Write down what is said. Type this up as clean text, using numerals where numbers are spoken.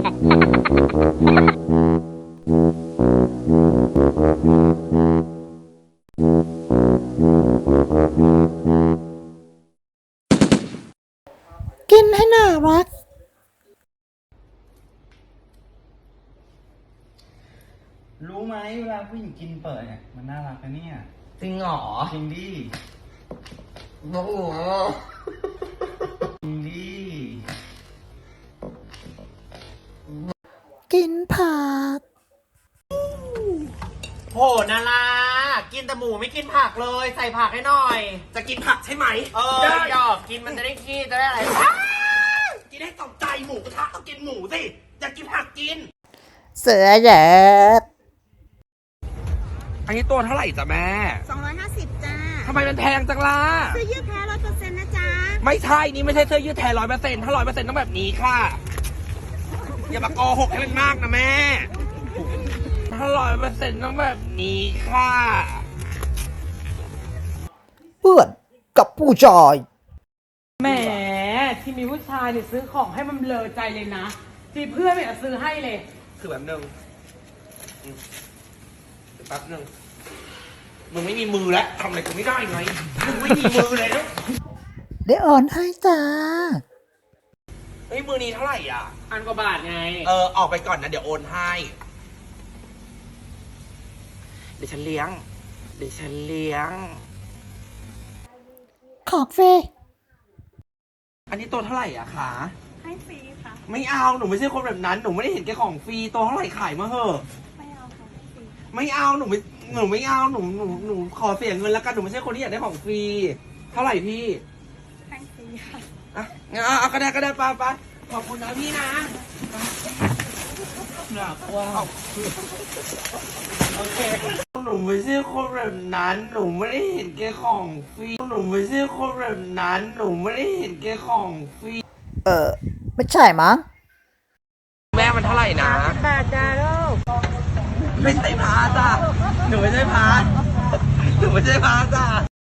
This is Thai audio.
กินให้น่ารักรู้ไหมเวลาผู้หญิงกินเปิดเนี่ยมันน่ารักนะเนี่ยจริงเหรอจริงดิโอ้โหจริงดิกินผักโหนารากินแต่หมูไม่กินผักเลยใส่ผักให้หน่อย จะกินผักใช่ไหมหยอกกินมันจะได้ขี้จะได้อะไรกินให้ตกใจหมูกระทะต้องกินหมูสิอยากกินผักกินเสือเหยดอันนี้ตัวเท่าไหร่จ้ะแม่ 250จ้าทำไมมันแพงจังล่ะเสื้อยืดแท้100%นะจ๊ะไม่ใช่นี่ไม่ใช่เสื้อยืดแท้100%ถ้า100%ต้องแบบนี้ค่ะอย่ามาโกหกให้มันมากนะแม่ถ้า100%ต้องแบบนี้ค่ะเพื่อนกับผู้ชายแหมที่มีผู้ชายเนี่ยซื้อของให้มันเลอใจเลยนะที่เพื่อนไม่เอาซื้อให้เลยคือแบบนึงแป๊บนึงมึงไม่มีมือแล้วทำอะไรกูไม่ได้ไงมึงไม่มีมือเลยนะเดี๋ยวอ่อนให้จ้าเฮ้ยมือนี้เท่าไหร่อ่ะ 1,000 กว่าบาทไงออกไปก่อนนะเดี๋ยวโอนให้เดี๋ยวฉันเลี้ยงของฟรีอันนี้ตัวเท่าไหร่อ่ะคะให้ฟรีค่ะไม่เอาหนูไม่ใช่คนแบบนั้นหนูไม่ได้เห็นแก่ของฟรีตัวเท่าไหร่ขายมาเหอะไม่เอาค่ะฟรีไม่เอาหนูไม่เอาหนูขอเสียเงินแล้วกันหนูไม่ใช่คนที่อยากได้ของฟรีเท่าไหร่พี่ให้ฟรีค่ะเอาก็ได้ไปขอบคุณนะพี่นะหนักว่าโอเคหนูไม่ใช่คนแบบนั้นหนูไม่ได้เห็นแก่ของฟรีหนูไม่ใช่คนแบบนั้นหนูไม่ได้เห็นแก่ของฟรีไม่ใช่มั้งแม่มันเท่าไหร่นะบาทจ้าลูกไม่ใช่พาจ้ะหนูไม่ใช่พาจ้ะ